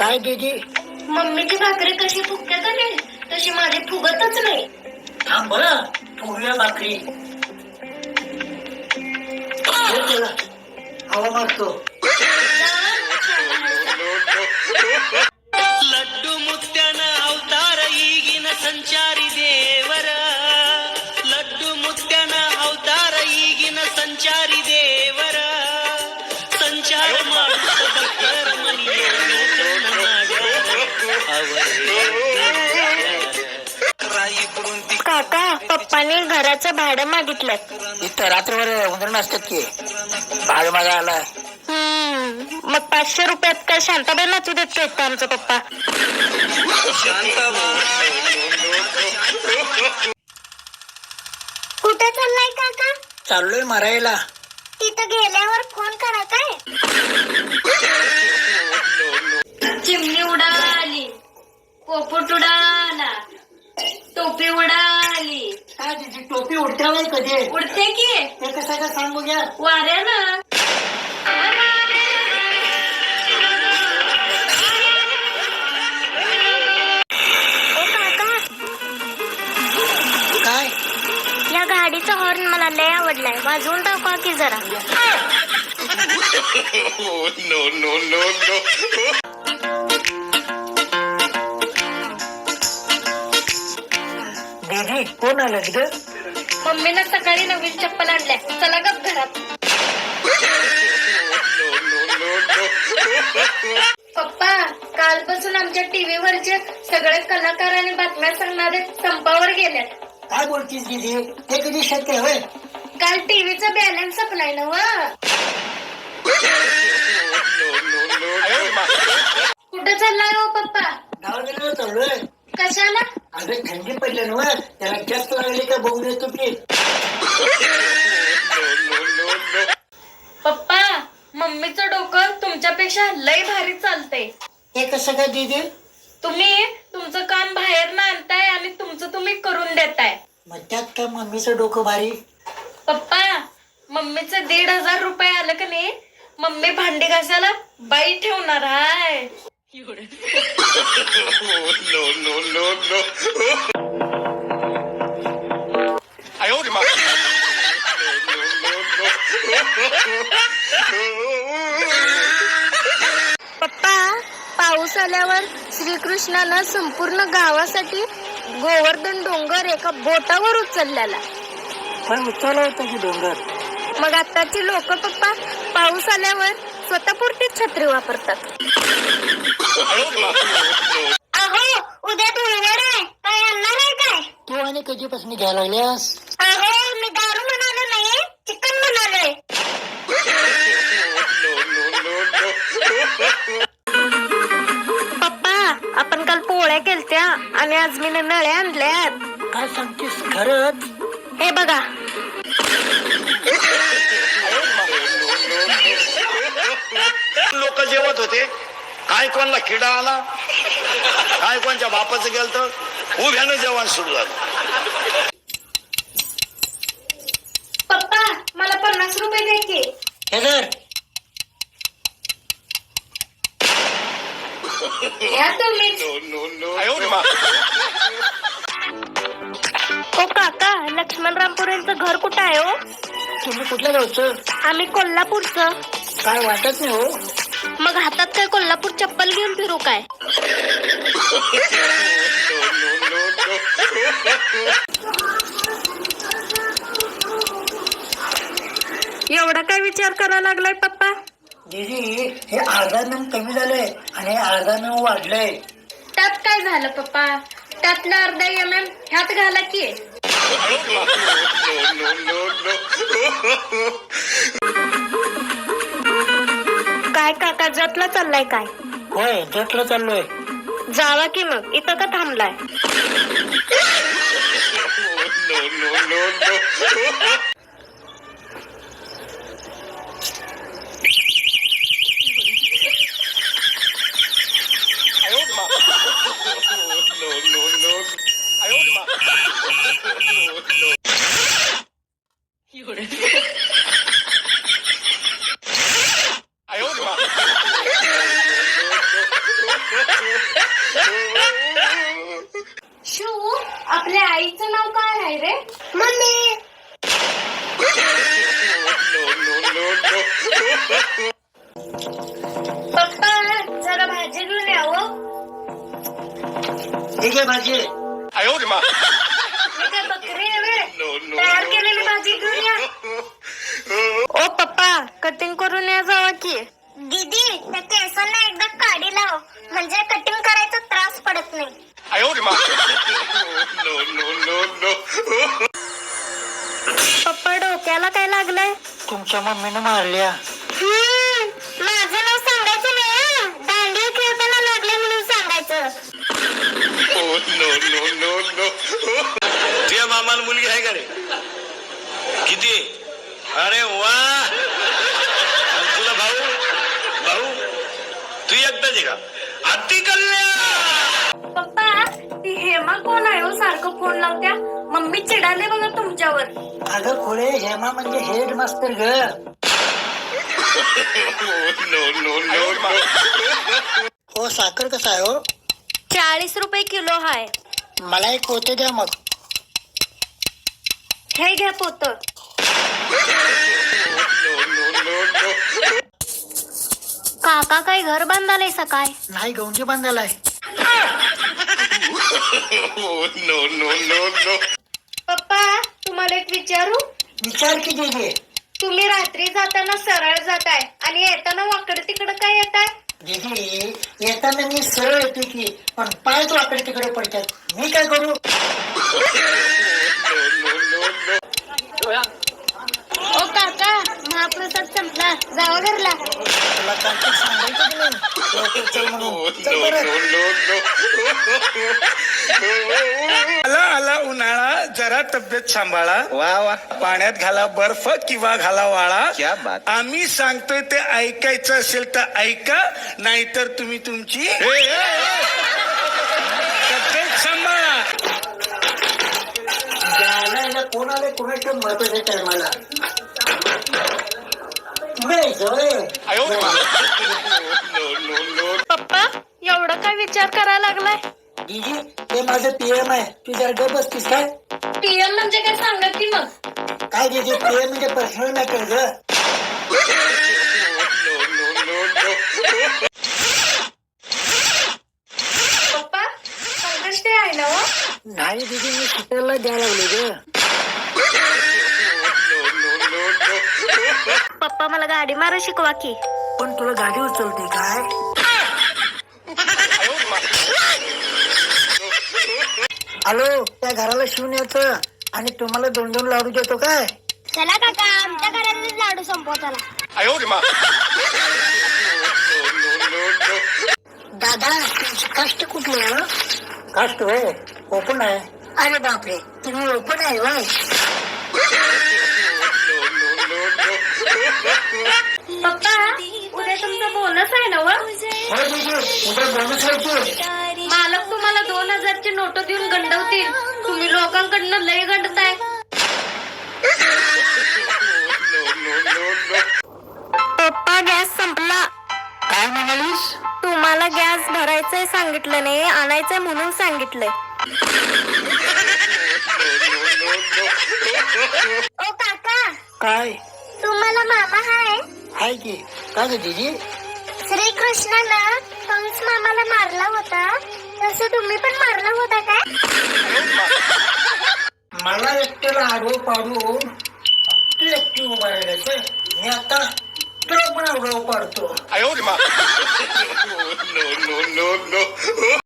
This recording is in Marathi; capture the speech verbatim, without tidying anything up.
काय दीदी? मम्मीची भाकरी कशी फुगते का नाही तशी माझी फुगतच नाही. थांब बरं, फुगल्या भाकरी हवा मारतो. लड्डू मुत्यान अवतार ಈಗಿನ ಸಂಚಾರಿ ದೇವರ ಲಡ್ಡು ಮುತ್ಯನ ಅವತಾರ ಈಗಿನ ಸಂಚಾರಿ ದೇವರ ಸಂಚಾರ ಮಾಡುತ್ತ ಭಕ್ತರ काका पप्पाने घराचं भाडं मागितलं. इथं रात्रभर उंदरण असतात की भाडं मागा आला. हम्म मग पाचशे रुपयात काय शांताबाई नाचू देत का आमचा पप्पा? कुठे चाललाय काका? चाललोय मारायला. तिथं गेल्यावर फोन करा काय? चिमणी उडाली, पोपट उडाला, टोपी उडाली. काय तिची टोपी उडते नाही कधी? उडते की ते कसं काय सांग बघ्या. वाऱ्यानं. ओ काका, काय या गाडीचा हॉर्न मला लय आवडलाय, वाजवून टाका की जरा. नो नो नो नो दीदी कोण आलं ग? मम्मीनं सकाळी नवीन चप्पल आणल्या, चला गप घरात. पप्पा, कालपासून आमच्या टीव्हीवरचे सगळे कलाकार आणि बातम्या सांगणारे संपावर गेल्यात. काय बोलतीस दीदी? हे कधी शक्य होय? काल टीव्हीचा बॅलन्स संपलाय ना व. कुठं चाललाय हो पप्पा? गावाकडे चाललोय. कशाला? अगं थंडी पडली ना, त्याला जास्त लागली का बघून येतो की. पप्पा, मम्मीचं डोकं तुमच्यापेक्षा लय भारी चालतंय. हे कसं काय दीदी? तुम्ही तुमचं काम बाहेर ना आणताय आणि तुमचं तुम्ही करून देताय. मग त्यात काय मम्मीचं डोकं भारी? पप्पा, मम्मीचं दीड हजार रुपये आलं का नाही, मम्मी भांडी घासायला बाई ठेवणार आहे. नो नो नो नो पप्पा, पाऊस आल्यावर श्रीकृष्णानं संपूर्ण गावासाठी गोवर्धन डोंगर एका बोटावर उचललेला. पण उचलला होता की डोंगर. मग आताची लोक पप्पा पाऊस आल्यावर स्वतःपुरतीच छत्री वापरतात. अहो, उद्या धुळवड आहे, काय आणणार आहे काय? तू आणि कधीपासून घ्यायला लागल्यास? अहो, मी दारू म्हणालो नाही, चिकन म्हणालोय. पप्पा, आपण काल पोळ्या केलत्या आणि आज मी नळ्या आणल्यात. काय सांगतेस खरंच? हे बघा. लोक जेवत होते, काय कोणला किडा आला, काय कोणच्या बापाचं गेलं तर उभ्यानं जेवण सुरू झालं. पप्पा, मला पन्नास रुपये द्या की. हे जर घ्या तुम्हीच. ओ काका, लक्ष्मणरामपुरेंचं घर कुठं आहे हो? तुम्ही कुठल्या गावचं? आम्ही कोल्हापूरचं. काय वाटत नाही हो. मग हातात काय कोल्हापूर चप्पल घेऊन फिरू काय? एवढा काय विचार करायला लागलाय पप्पा? दीदी, हे अर्धा नम कमी झालंय आणि अर्धा नम वाढलंय. त्यात काय झालं पप्पा? त्यातलं अर्धा एम एम ह्यात घाला की. काय काका, जतला चाललाय काय? होय, जटला चाललोय. जावा की मग, इथं का थांबलाय? आपल्या आईचं नाव काय आहे रे? मम्मी. पप्पा जरा भाजी घेऊन यावं. ठीक आहे भाजी. मी काय बकरी आहे रे? तयार केलेली भाजी घेऊन या. ओ पप्पा कटिंग करून या जावा की. दीदी त्या केसांना एकदा काढी लाव म्हणजे कटिंग करायचा त्रास पडत नाही. पप्पा डोक्याला काय लागलंय? तुमच्या मम्मीने मारल्या. माझं नाव सांगायचं नाही हं. दांडिया खेळताना लागले म्हणून सांगायचं. तुझ्या मामाला मुलगी आहे का रे? किती? अरे वा. आणि तुला भाऊ भाऊ तू एकटाच आहे का? अति कल्याण. पप्पा ती हेमा कोण आहे हो सारखं फोन लावत्या? मम्मी चिडाले बघा तुमच्यावर. अगं खोळे, हेमा म्हणजे हेड मास्तर ग. हो साखर कसा आहे हो? चाळीस रुपये किलो हाय. मला एक पोते द्या मग. हे घ्या पोत. काका काय घर बांधालय सकाळ? नाही गौंजी बांधायलाय. पप्पा तुम्हाला एक विचारू? विचार की दीदी. तुम्ही रात्री जाताना सरळ जाताय आणि येताना वाकड तिकडं काय येताय? दीदी येताना मी सरळ येते की, पण पाय तो आकडे तिकडे पडतात. मी काय करू? ओ काका महाप्रसाद संपला जावा घरला. तुला काहीतरी सांगायचं की नाही? लवकर चल म्हणून. चल बरं. आला आला उन्हाळा, जरा तब्येत सांभाळा. वा वा. पाण्यात घाला बर्फ किंवा घाला वाळा. आम्ही सांगतोय ते ऐकायचं असेल तर ऐका, नाहीतर तुम्ही तुमची तब्येत सांभाळा. जायला कोण आले कोणाचं महत्वाचं आहे मला. पुढे जवळ ये. पप्पा एवढं काय विचार करायला लागलाय? दीदी ते माझं पीएम आहे. तू जरा गप बसतीस काय? पीएम म्हणजे काय सांगा की मग. काय दीदी पीएम म्हणजे पर्सनल मॅटर ग. पप्पा संकष्ट आहे ना हो? नाही दीदी मी सुट्ट्याला द्यायला लागले ग. पप्पा मला गाडी मारा शिकवा की. पण तुला गाडी उचलते काय? हॅलो, त्या घराला शिवून यायचं आणि तुम्हाला दोन दोन लाडू देतो काय? चला काका आमच्या घरातले लाडू संपव चला. दादा तुमची कास्ट कुठली आहे? कास्ट होय ओपन आहे. अरे बापरे तुम्ही ओपन आहे वाय. पप्पा उद्या तुमचा बोनस आहे ना व? होय दीदी उद्या बोनस आहे की. मालक तुम्हाला दोन हजारची नोट देऊन गंडवतील. तुम्ही लोकांकडनं लय गंडताय. पप्पा गॅस संपला. काय म्हणालीस? तुम्हाला गॅस भरायचंय सांगितलं नाही, आणायचंय म्हणून सांगितलंय. ओ काका काय तुम्हाला मामा हाय? आहे की. काय ग दीदी? श्रीकृष्णानं कंस मामाला मारला होता तसं तुम्ही पण मारला होता काय? मला एकट्याला आडवं पाडून तू एकटी उभा राहिलाय. मी आता तुला पण आडवं पाडतो.